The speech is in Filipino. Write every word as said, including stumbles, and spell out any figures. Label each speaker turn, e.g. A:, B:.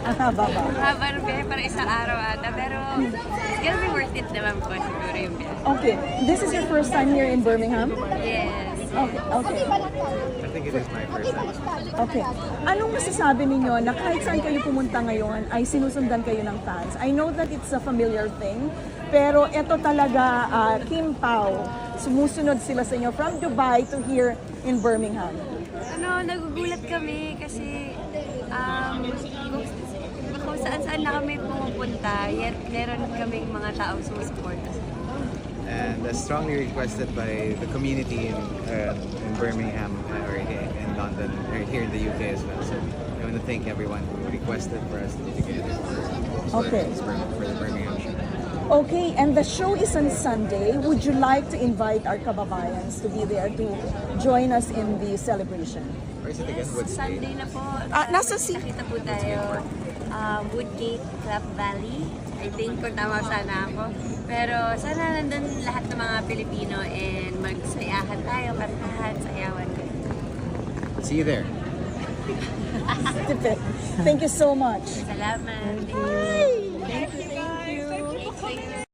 A: Ang haba ba?
B: Haba ng biyahe, parang isang araw ata. Pero it's gonna be worth it naman po siguro yung biyahe.
A: Okay, this is your first time here in Birmingham?
B: Yes.
A: Okay, okay.
C: I think it is my first time.
A: Okay. Anong masasabi ninyo na kahit saan kayo pumunta ngayon ay sinusundan kayo ng fans? I know that it's a familiar thing, pero ito talaga, uh, Kim Pao, sumusunod sila sa inyo from Dubai to here in Birmingham.
B: Ano, nagugulat kami kasi um, kung, kung saan-saan na kami pumupunta, yet meron kaming mga taong sumusuporta.
C: And uh, strongly requested by the community in, uh, in Birmingham uh, or here in London or here in the U K as well. So I want to thank everyone who requested for us to be together for,
A: Okay.
C: for, for the Birmingham show.
A: Okay, and the show is on Sunday. Would you like to invite our kababayans to be there to join us in the celebration?
C: Where is it again? Wood State?
B: Sunday na po.
A: Ah, nasa si-
B: Nakita po tayo. Uh, Woodgate Club Valley. I think kung tama sana ako. Pero sana nandun lahat ng mga Pilipino and magsayahan tayo, kantahan, sayawan.
C: See you there.
A: Thank you so much.
B: Salamat. Thank you.
A: Bye!